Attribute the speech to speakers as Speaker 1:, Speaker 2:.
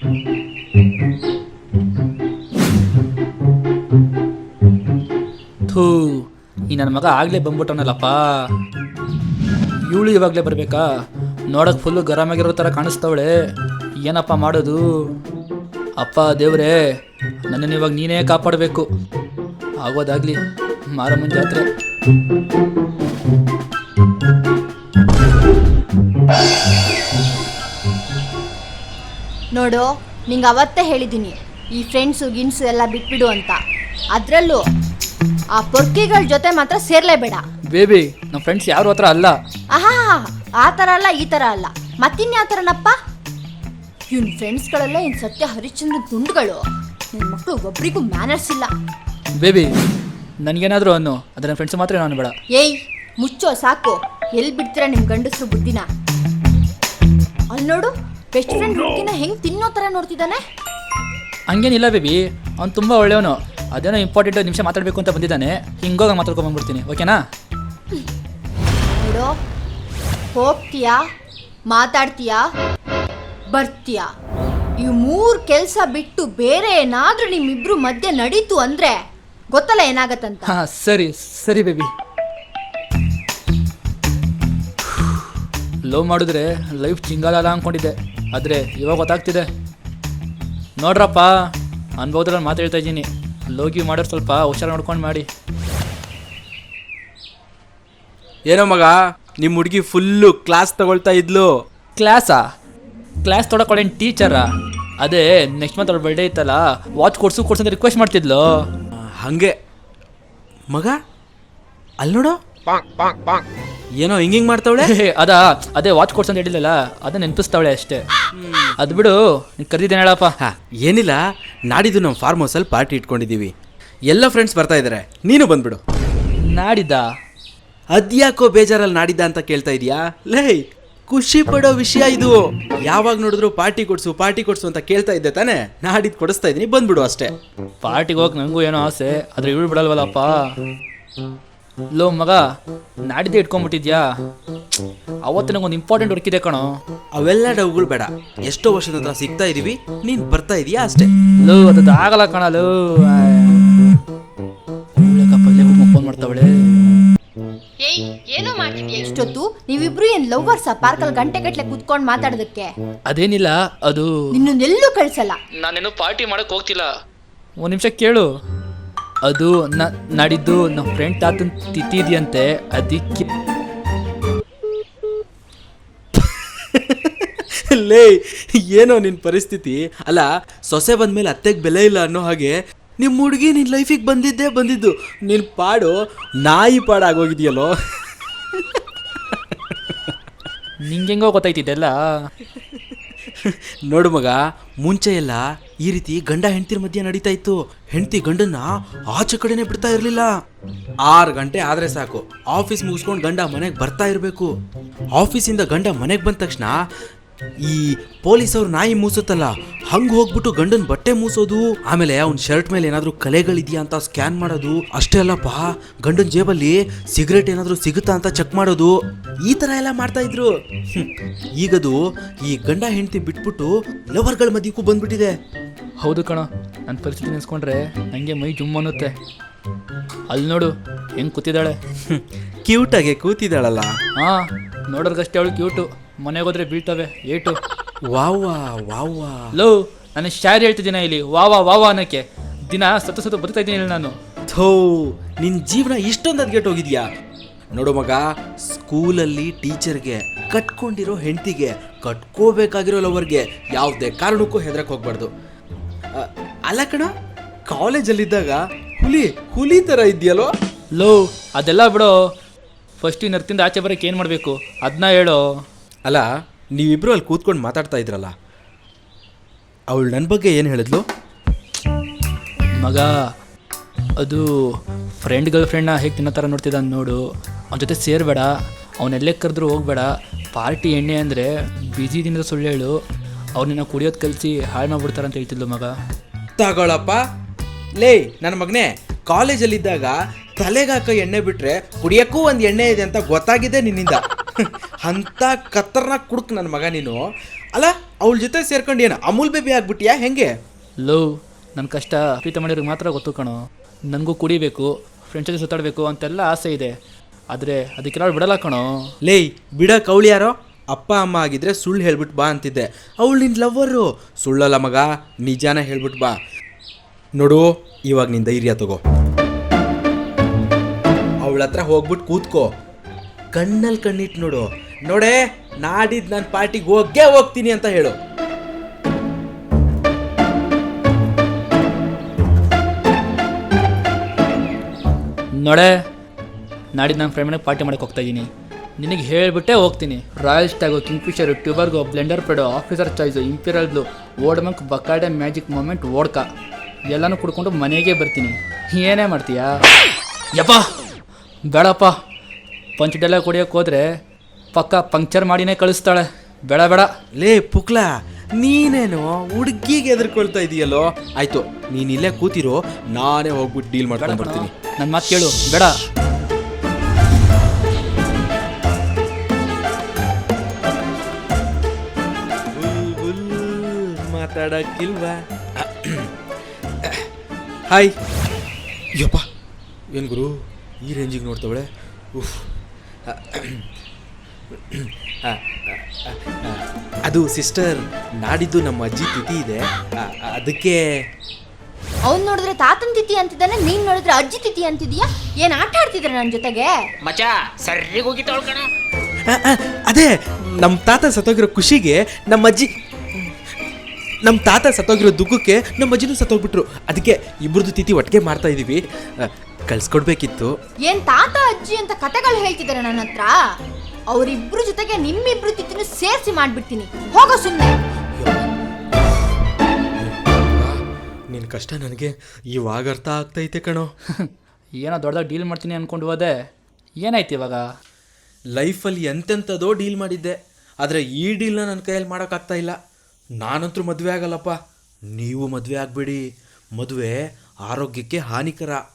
Speaker 1: ಥೂ, ಈ ನನ್ನ ಮಗ ಆಗಲೇ ಬಂದ್ಬಿಟ್ಟವನಲ್ಲಪ್ಪ. ಇವಳು ಇವಾಗಲೇ ಬರಬೇಕಾ? ನೋಡಕ್ಕೆ ಫುಲ್ಲು ಗರಮಾಗಿರೋ ಥರ ಕಾಣಿಸ್ತವಳೆ. ಏನಪ್ಪ ಮಾಡೋದು? ಅಪ್ಪ ದೇವ್ರೇ, ನನ್ನನ್ನು ಇವಾಗ ನೀನೇ ಕಾಪಾಡಬೇಕು. ಆಗೋದಾಗಲಿ ಮಾರಮ್ಮನ ಜಾತ್ರೆ.
Speaker 2: ನೋಡು, ನಿಂಗೆ ಅವತ್ತೇ ಹೇಳಿದ್ದೀನಿ ಈ ಫ್ರೆಂಡ್ಸು ಗಿನ್ಸು ಎಲ್ಲ ಬಿಟ್ಬಿಡು ಅಂತ. ಅದರಲ್ಲೂ ಆ ಪೊರ್ಕಿಗಳ ಜೊತೆ ಮಾತ್ರ ಸೇರ್ಲೇಬೇಡ.
Speaker 1: ಬೇಬಿ, ನಮ್ಮ ಫ್ರೆಂಡ್ಸ್ ಯಾರು ಹತ್ರ ಅಲ್ಲ.
Speaker 2: ಆಹಾ, ಆ ಥರ ಅಲ್ಲ, ಈ ಥರ ಅಲ್ಲ, ಮತ್ತಿನ್ಯಾವ ಥರನಪ್ಪ? ಇವ್ನ ಫ್ರೆಂಡ್ಸ್ಗಳೆಲ್ಲ ಇನ್ನು ಸತ್ಯ ಹರಿಶ್ಚಂದ್ರ ತುಂಡುಗಳು. ನನ್ನ ಮಕ್ಕಳು ಒಬ್ರಿಗೂ ಮ್ಯಾನರ್ಸ್ ಇಲ್ಲ.
Speaker 1: ಬೇಬಿ, ನನಗೇನಾದರೂ ಅನ್ನು, ಅದರ ಫ್ರೆಂಡ್ಸ್ ಮಾತ್ರ ನಾನು ಬೇಡ.
Speaker 2: ಏಯ್ ಮುಚ್ಚೋ ಸಾಕು. ಎಲ್ಲಿ ಬಿಡ್ತೀರಾ ನಿಮ್ಮ ಗಂಡಸರು ಬುದ್ಧಿನ? ಅಲ್ಲಿ ನೋಡು, ಬೆಸ್ಟ್ ಫ್ರೆಂಡ್ ಹುಡುಗಿನ ಹೆಂಗೆ ತಿನ್ನೋ ಥರ ನೋಡ್ತಿದ್ದಾನೆ.
Speaker 1: ಹಂಗೇನಿಲ್ಲ ಬೇಬಿ, ಅವ್ನು ತುಂಬ ಒಳ್ಳೆಯವನು. ಅದೇನೋ ಇಂಪಾರ್ಟೆಂಟ್ ನಿಮಿಷ ಮಾತಾಡಬೇಕು ಅಂತ ಬಂದಿದ್ದಾನೆ. ಹಿಂಗೋಗ ಮಾತಾಡ್ಕೊಂಡ್ಬಂದ್ಬಿಡ್ತೀನಿ, ಓಕೆನಾ?
Speaker 2: ನೋಡು, ಹೋಗ್ತೀಯಾ, ಮಾತಾಡ್ತೀಯಾ, ಬರ್ತೀಯಾ, ಈ 3 ಕೆಲಸ ಬಿಟ್ಟು ಬೇರೆ ಏನಾದ್ರೂ ನಿಮ್ಮಿಬ್ರು ಮಧ್ಯೆ ನಡೀತು ಅಂದ್ರೆ ಗೊತ್ತಲ್ಲ ಏನಾಗತ್ತಂತ.
Speaker 1: ಹಾಂ, ಸರಿ ಸರಿ ಬೇಬಿ. ಲವ್ ಮಾಡಿದ್ರೆ ಲೈಫ್ ಚಿಂಗಾಲಲ್ಲ ಅಂದ್ಕೊಂಡಿದ್ದೆ, ಆದರೆ ಇವಾಗ ಗೊತ್ತಾಗ್ತಿದೆ. ನೋಡ್ರಪ್ಪ, ಅನ್ಬೋದ್ರಲ್ಲಿ ಮಾತು ಹೇಳ್ತಾ ಇದ್ದೀನಿ. ಲೋಗಿ ಮಾಡೋರು ಸ್ವಲ್ಪ ಹುಷಾರು ನೋಡ್ಕೊಂಡು ಮಾಡಿ.
Speaker 3: ಏನೋ ಮಗ, ನಿಮ್ಮ ಹುಡುಗಿ ಫುಲ್ಲು ಕ್ಲಾಸ್ ತಗೊಳ್ತಾ ಇದ್ಲು.
Speaker 1: ಕ್ಲಾಸಾ? ಕ್ಲಾಸ್ ತೊಗೊಳಕೊಳ್ಳೇನು ಟೀಚರಾ? ಅದೇ ನೆಕ್ಸ್ಟ್ ಮಂತ್ ಅವ್ರ ಬರ್ಡೇ ಇತ್ತಲ್ಲ, ವಾಚ್ ಕೊಡ್ಸು ಅಂತ ರಿಕ್ವೆಸ್ಟ್ ಮಾಡ್ತಿದ್ಲು.
Speaker 3: ಹಂಗೆ ಮಗ, ಅಲ್ಲಿ ನೋಡು, ಏನೋ ಹಿಂಗೆ ಮಾಡ್ತಾವಳೆ.
Speaker 1: ಅದೇ ವಾಚ್ ಕೊಡ್ಸು ಅಂತ ಹೇಳಿಲ್ಲಲ್ಲ, ಅದನ್ನ ನೆನಪಿಸ್ತಾವಳೆ ಅಷ್ಟೇ. ಅದು ಬಿಡು, ನೀನು ಕರೆದಿದ್ದೇನೆ ಹೇಳಪ್ಪ.
Speaker 3: ಏನಿಲ್ಲ, ನಾಡಿದ್ದು ನಮ್ಮ ಫಾರ್ಮ್ ಹೌಸಲ್ಲಿ ಪಾರ್ಟಿ ಇಟ್ಕೊಂಡಿದ್ದೀವಿ. ಎಲ್ಲ ಫ್ರೆಂಡ್ಸ್ ಬರ್ತಾ ಇದ್ದಾರೆ, ನೀನು ಬಂದ್ಬಿಡು.
Speaker 1: ನಾಡಿದ್ದ?
Speaker 3: ಅದ್ಯಾಕೋ ಬೇಜಾರಲ್ಲಿ ನಾಡಿದ್ದ ಅಂತ ಕೇಳ್ತಾ ಇದೀಯಾ? ಲೇ, ಖುಷಿ ಪಡೋ ವಿಷಯ ಇದು. ಯಾವಾಗ ನೋಡಿದ್ರು ಪಾರ್ಟಿ ಕೊಡ್ಸು ಅಂತ ಕೇಳ್ತಾ ಇದ್ದೆ ತಾನೇ? ನಾಡಿದ್ದು ಕೊಡಿಸ್ತಾ ಇದ್ದೀನಿ, ಬಂದ್ಬಿಡು ಅಷ್ಟೇ.
Speaker 1: ಪಾರ್ಟಿಗೆ ಹೋಗಿ ನನಗೂ ಏನೋ ಆಸೆ, ಆದರೆ ಇವಳು ಬಿಡಲ್ವಲ್ಲಪ್ಪ. ಲೋ ಮಗ, ನಾಡಿದ್ದೇ ಇಟ್ಕೊಂಡ್ಬಿಟ್ಟಿದ್ಯಾ? ಅವತ್ತು ನಂಗೊಂದು ಇಂಪಾರ್ಟೆಂಟ್ ವರ್ಕ್ ಇದೆ ಕಣೋ.
Speaker 3: ಅವೆಲ್ಲ ಡೌಗಳು ಬೇಡ, ಎಷ್ಟೋ ವರ್ಷದ ಹತ್ರ ಸಿಗ್ತಾ ಇದೀವಿ, ನೀನು ಬರ್ತಾ ಇದೀಯಾ ಅಷ್ಟೇ.
Speaker 1: ಲೋ, ಅದು ಆಗಲ್ಲ ಕಣಲು. ಫೋನ್ ಮಾಡ್ತಾವಳೆ.
Speaker 2: ಏನೋ ಮಾಡ್ತಿದ್ಯಾ ಇಷ್ಟೊತ್ತು? ನೀವಿಬ್ರು ಏನ್ ಲವ್ವರ್ಸ? ಪಾರ್ಕಲ್ಲಿ ಗಂಟೆಗಟ್ಲೆ ಕುತ್ಕೊಂಡು ಮಾತಾಡೋದಕ್ಕೆ?
Speaker 1: ಅದೇನಿಲ್ಲ, ಅದು
Speaker 2: ನಿನ್ನೆಲ್ಲೂ ಕಳ್ಸಲ್ಲ.
Speaker 1: ನಾನೇನು ಪಾರ್ಟಿ ಮಾಡಕ್ ಹೋಗ್ತಿಲ್ಲ. ಒಂದು ನಿಮಿಷ ಕೇಳು. ಅದು ನಾಡಿದ್ದು ನಮ್ಮ ಫ್ರೆಂಡ್ ತಾತನ್ ತಿಥಿದ್ಯಂತೆ, ಅದಕ್ಕೆ.
Speaker 3: ಲೇ, ಏನೋ ನಿನ್ನ ಪರಿಸ್ಥಿತಿ. ಅಲ್ಲ, ಸೊಸೆ ಬಂದ್ಮೇಲೆ ಅತ್ತೆಗೆ ಬೆಲೆ ಇಲ್ಲ ಅನ್ನೋ ಹಾಗೆ ನಿಮ್ಮ ಹುಡುಗಿ ನಿನ್ನ ಲೈಫಿಗೆ ಬಂದಿದ್ದು. ನಿನ್ನ ಪಾಡು ನಾಯಿ ಪಾಡಾಗೋಗಿದೆಯಲ್ಲೋ.
Speaker 1: ನಿಂಗೆಂಗೋ ಗೊತ್ತಾಯ್ತಿದ್ದೆಲ್ಲ.
Speaker 3: ನೋಡು ಮಗ, ಮುಂಚೆ ಎಲ್ಲ ಈ ರೀತಿ ಗಂಡ ಹೆಂಡತಿರ ಮಧ್ಯೆ ನಡೀತಾ ಇತ್ತು. ಹೆಂಡತಿ ಗಂಡನ್ನ ಆಚೆ ಕಡೆನೆ ಬಿಡ್ತಾ ಇರಲಿಲ್ಲ. 6 ಗಂಟೆ ಆದ್ರೆ ಸಾಕು, ಆಫೀಸ್ ಮುಗಿಸ್ಕೊಂಡು ಗಂಡ ಮನೆಗೆ ಬರ್ತಾ ಇರಬೇಕು. ಆಫೀಸಿಂದ ಗಂಡ ಮನೆಗೆ ಬಂದ ತಕ್ಷಣ ಈ ಪೊಲೀಸವ್ರು ನಾಯಿ ಮೂಸುತ್ತಲ್ಲ, ಹಂಗೆ ಹೋಗ್ಬಿಟ್ಟು ಗಂಡನ ಬಟ್ಟೆ ಮೂಸೋದು. ಆಮೇಲೆ ಅವ್ನ ಶರ್ಟ್ ಮೇಲೆ ಏನಾದರೂ ಕಲೆಗಳಿದೆಯಾ ಅಂತ ಸ್ಕ್ಯಾನ್ ಮಾಡೋದು. ಅಷ್ಟೇ ಅಲ್ಲಪ್ಪ, ಗಂಡನ ಜೇಬಲ್ಲಿ ಸಿಗರೇಟ್ ಏನಾದರೂ ಸಿಗುತ್ತಾ ಅಂತ ಚೆಕ್ ಮಾಡೋದು. ಈ ಥರ ಎಲ್ಲ ಮಾಡ್ತಾ ಇದ್ರು. ಈಗದು ಈ ಗಂಡ ಹೆಂಡತಿ ಬಿಟ್ಬಿಟ್ಟು ಲವರ್ಗಳ ಮಧ್ಯಕ್ಕೂ ಬಂದ್ಬಿಟ್ಟಿದೆ.
Speaker 1: ಹೌದು ಕಣ, ನನ್ನ ಪರಿಸ್ಥಿತಿ ನೆನೆಸ್ಕೊಂಡ್ರೆ ನನಗೆ ಮೈ ಜುಮ್ ಅನ್ನುತ್ತೆ. ಅಲ್ಲಿ ನೋಡು ಹೆಂಗೆ ಕೂತಿದ್ದಾಳೆ.
Speaker 3: ಕ್ಯೂಟಾಗೆ ಕೂತಿದ್ದಾಳಲ್ಲ.
Speaker 1: ಹಾಂ, ನೋಡೋರ್ಗಷ್ಟೇ ಅವಳು ಕ್ಯೂಟು, ಮನೆಗೆ ಹೋದ್ರೆ ಬೀಳ್ತವೆ ಏಟು.
Speaker 3: ವಾವ್ವಾ ವಾವ್ವಾ.
Speaker 1: ಲೋ, ನಾನು ಶಾರಿ ಹೇಳ್ತಿದ್ದೀನ ಇಲ್ಲಿ ವಾವಾ ವಾವಾ ಅನ್ನೋಕ್ಕೆ. ದಿನ ಸತ್ತು ಬದುಕ್ತಾ ಇದ್ದೀನಿ ನಾನು.
Speaker 3: ಥೋ, ನಿನ್ನ ಜೀವನ ಇಷ್ಟೊಂದು ಅದ್ಗೆಟ್ಟೋಗಿದ್ಯಾ? ನೋಡು ಮಗ, ಸ್ಕೂಲಲ್ಲಿ ಟೀಚರ್ಗೆ, ಕಟ್ಕೊಂಡಿರೋ ಹೆಂಡತಿಗೆ, ಕಟ್ಕೋಬೇಕಾಗಿರೋ ಲವರ್ಗೆ ಯಾವುದೇ ಕಾರಣಕ್ಕೂ ಹೆದರಕ್ಕೆ ಹೋಗ್ಬಾರ್ದು. ಅಲ್ಲ ಕಣ, ಕಾಲೇಜಲ್ಲಿದ್ದಾಗ ಹುಲಿ ಥರ ಇದೆಯಲ್ಲೋ.
Speaker 1: ಲೋ, ಅದೆಲ್ಲ ಬಿಡೋ. ಫಸ್ಟ್ ಈ ನರ್ತಿಂದ ಆಚೆ ಬರೋಕ್ಕೆ ಏನು ಮಾಡಬೇಕು ಅದನ್ನ ಹೇಳೋ.
Speaker 3: ಅಲ್ಲ, ನೀವಿಬ್ರು ಅಲ್ಲಿ ಕೂತ್ಕೊಂಡು ಮಾತಾಡ್ತಾ ಇದ್ರಲ್ಲ, ಅವಳು ನನ್ನ ಬಗ್ಗೆ ಏನು ಹೇಳಿದ್ಲು?
Speaker 1: ಮಗ, ಅದು ಗರ್ಲ್ ಫ್ರೆಂಡ್ನ ಹೇಗೆ ತಿನ್ನೋ ಥರ ನೋಡ್ತಿದ್ದ ನೋಡು. ಅವನ ಜೊತೆ ಸೇರಬೇಡ, ಅವನೆಲ್ಲೇ ಕರೆದ್ರೂ ಹೋಗಬೇಡ. ಪಾರ್ಟಿ ಎಣ್ಣೆ ಅಂದರೆ ಬಿಸಿ ದಿನದ ಸುಳ್ಳು ಹೇಳು. ಅವ್ರನ್ನ ಕುಡಿಯೋದು ಕಲಿಸಿ ಹಾಳು ಮಾಡ್ಬಿಡ್ತಾರೆ ಅಂತ ಹೇಳ್ತಿದ್ಲು ಮಗ.
Speaker 3: ತಗೊಳಪ್ಪ. ಲೇ ನನ್ನ ಮಗನೇ, ಕಾಲೇಜಲ್ಲಿದ್ದಾಗ ತಲೆಗಾಕ ಎಣ್ಣೆ ಬಿಟ್ರೆ ಕುಡಿಯೋಕ್ಕೂ ಒಂದು ಎಣ್ಣೆ ಇದೆ ಅಂತ ಗೊತ್ತಾಗಿದೆ ನಿನ್ನಿಂದ. ಅಂಥ ಕತ್ತರ್ನ ಕುಡುಕ್ ನನ್ನ ಮಗ ನೀನು. ಅಲ್ಲ ಅವಳ ಜೊತೆ ಸೇರ್ಕೊಂಡು ಏನು ಅಮೂಲ್ ಬೇಬಿ ಆಗ್ಬಿಟ್ಟಿಯಾ ಹೆಂಗೆ?
Speaker 1: ಲವ್ ನನ್ನ ಕಷ್ಟ ಪ್ರೀತಿ ಮಾಡಿರೋರಿಗೆ ಮಾತ್ರ ಗೊತ್ತು ಕಣೋ. ನನಗೂ ಕುಡಿಬೇಕು, ಫ್ರೆಂಡ್ಸ್ ಜೊತೆ ಸುತ್ತಾಡಬೇಕು ಅಂತೆಲ್ಲ ಆಸೆ ಇದೆ. ಆದರೆ ಅದಕ್ಕೆಲ್ಲ ಬಿಡಲ್ಲ ಕಣೋ.
Speaker 3: ಲೇಯ್ ಬಿಡಕ್ಕೆ ಅವಳು ಯಾರೋ? ಅಪ್ಪ ಅಮ್ಮ ಆಗಿದ್ರೆ ಸುಳ್ಳು ಹೇಳ್ಬಿಟ್ಟು ಬಾ ಅಂತಿದ್ದೆ. ಅವಳು ನಿನ್ನ ಲವ್ವರು. ಸುಳ್ಳಲ್ಲ ಮಗ, ನಿಜಾನ ಹೇಳ್ಬಿಟ್ಟು ಬಾ. ನೋಡು, ಇವಾಗ ನಿನ್ನ ಧೈರ್ಯ ತಗೋ. ಅವಳ ಹತ್ರ ಹೋಗ್ಬಿಟ್ಟು ಕೂತ್ಕೋ, ಕಣ್ಣಲ್ಲಿ ಕಣ್ಣಿಟ್ಟು ನೋಡು. ನೋಡೇ, ನಾಡಿದ್ದು ನನ್ನ ಪಾರ್ಟಿಗೆ ಹೋಗ್ತೀನಿ ಅಂತ ಹೇಳು.
Speaker 1: ನೋಡೆ, ನಾಡಿದ್ದು ನನ್ನ ಫ್ರೆಂಡ್ ಮನೆಗೆ ಪಾರ್ಟಿ ಮಾಡೋಕೆ ಹೋಗ್ತಾಯಿದ್ದೀನಿ. ನಿನಗೆ ಹೇಳಿಬಿಟ್ಟೇ ಹೋಗ್ತೀನಿ. ರಾಯಲ್ ಸ್ಟ್ಯಾಗು, ಕಿಂಗ್ಫಿಶರು, ಟ್ಯೂಬರ್ಗೋ, ಬ್ಲೆಂಡರ್ ಪೆಡೋ, officer choice, imperial blue, old monk, Bacardi, magic moment, vodka ಎಲ್ಲನೂ ಕುಡ್ಕೊಂಡು ಮನೆಗೆ ಬರ್ತೀನಿ. ಏನೇ ಮಾಡ್ತೀಯಾ? ಯಪ್ಪ ಬೇಡಪ್ಪ, ಪಂಚ್ ಡೈಲಾಗ್ ಕುಡಿಯೋಕೆ ಹೋದರೆ ಪಕ್ಕ ಪಂಕ್ಚರ್ ಮಾಡಿನೇ ಕಳಿಸ್ತಾಳೆ. ಬೇಡ ಬೇಡ.
Speaker 3: ಲೇ ಪುಕ್ಲಾ, ನೀನೇನು ಹುಡುಗಿಗೆ ಎದುರ್ಕೊಳ್ತಾ ಇದೀಯಲ್ಲೋ? ಆಯ್ತು, ನೀನ್ ಇಲ್ಲೇ ಕೂತಿರೋ, ನಾನೇ ಹೋಗ್ಬಿಟ್ಟು ಡೀಲ್ ಮಾಡ್ಕೊಂಡು ಬರ್ತೀನಿ.
Speaker 1: ನನ್ನ ಮಾತು ಕೇಳು, ಬೇಡ.
Speaker 3: ಮಾತಾಡಕ್ಕಿಲ್ವಾ? ಹಾಯ್. ಯಪ್ಪ, ಏನು ಗುರು ಈ ರೇಂಜಿಗೆ ನೋಡ್ತವಳೆ? ಅದು ಸಿಸ್ಟರ್, ನಾಡಿದ್ದು ನಮ್ಮ ಅಜ್ಜಿ ತಿಥಿ ಇದೆ, ಅದಕ್ಕೆ.
Speaker 2: ಅವ್ನು ನೋಡಿದ್ರೆ ತಾತನ ತಿಥಿ ಅಂತಿದ್ದಾನೆ, ನೀನ್ ನೋಡಿದ್ರೆ ಅಜ್ಜಿ ತಿಥಿ ಅಂತಿದೀಯಾ? ಏನ್ ಆಟ ಆಡ್ತಿದ್ರ ನನ್ನ ಜೊತೆಗೆ?
Speaker 4: ಮಚ ಸರಿಗ್ ಹೋಗಿ ತೊಳ್ಕಣ.
Speaker 3: ಅದೇ ನಮ್ಮ ತಾತ ಸತ್ತೋಗಿರೋ ಖುಷಿಗೆ ನಮ್ಮ ತಾತ ಸತ್ತೋಗಿರೋ ದುಃಖಕ್ಕೆ ನಮ್ಮ ಅಜ್ಜಿನೂ ಸತ್ತೋಗ್ಬಿಟ್ರು. ಅದಕ್ಕೆ ಇಬ್ಬರದು ತಿಥಿ ಒಟ್ಟಿಗೆ ಮಾಡ್ತಾ ಇದೀವಿ. ಕಳ್ಸ್ಕೊಡ್ಬೇಕಿತ್ತು.
Speaker 2: ಏನ್ ತಾತ ಅಜ್ಜಿ ಅಂತ ಕತೆಗಳು ಹೇಳ್ತಿದಾರೆ ನನ್ನ ಹತ್ರ? ಅವರಿಬ್ರು ಜೊತೆಗೆ ನಿಮ್ಮಿಬ್ರು ತಿಥಿನ ಸೇರಿಸಿ ಮಾಡ್ಬಿಡ್ತೀನಿ. ಹೋಗೋ ಸುಮ್ಮನೆ.
Speaker 3: ನಿನ್ನ ಕಷ್ಟ ನನಗೆ ಇವಾಗ ಅರ್ಥ ಆಗ್ತೈತೆ ಕಣೋ.
Speaker 1: ಏನೋ ದೊಡ್ಡದಾಗಿ ಡೀಲ್ ಮಾಡ್ತೀನಿ ಅಂದ್ಕೊಂಡು ಹೋದೆ, ಏನಾಯ್ತು ಇವಾಗ?
Speaker 3: ಲೈಫಲ್ಲಿ ಎಂತೆಂಥದೋ ಡೀಲ್ ಮಾಡಿದ್ದೆ, ಆದರೆ ಈ ಡೀಲ್ನ ನನ್ನ ಕೈಯಲ್ಲಿ ಮಾಡೋಕ್ಕಾಗ್ತಾ ಇಲ್ಲ. ನಾನಂತೂ ಮದುವೆ ಆಗಲ್ಲಪ್ಪ. ನೀವು ಮದುವೆ ಆಗಬೇಡಿ. ಮದುವೆ ಆರೋಗ್ಯಕ್ಕೆ ಹಾನಿಕರ.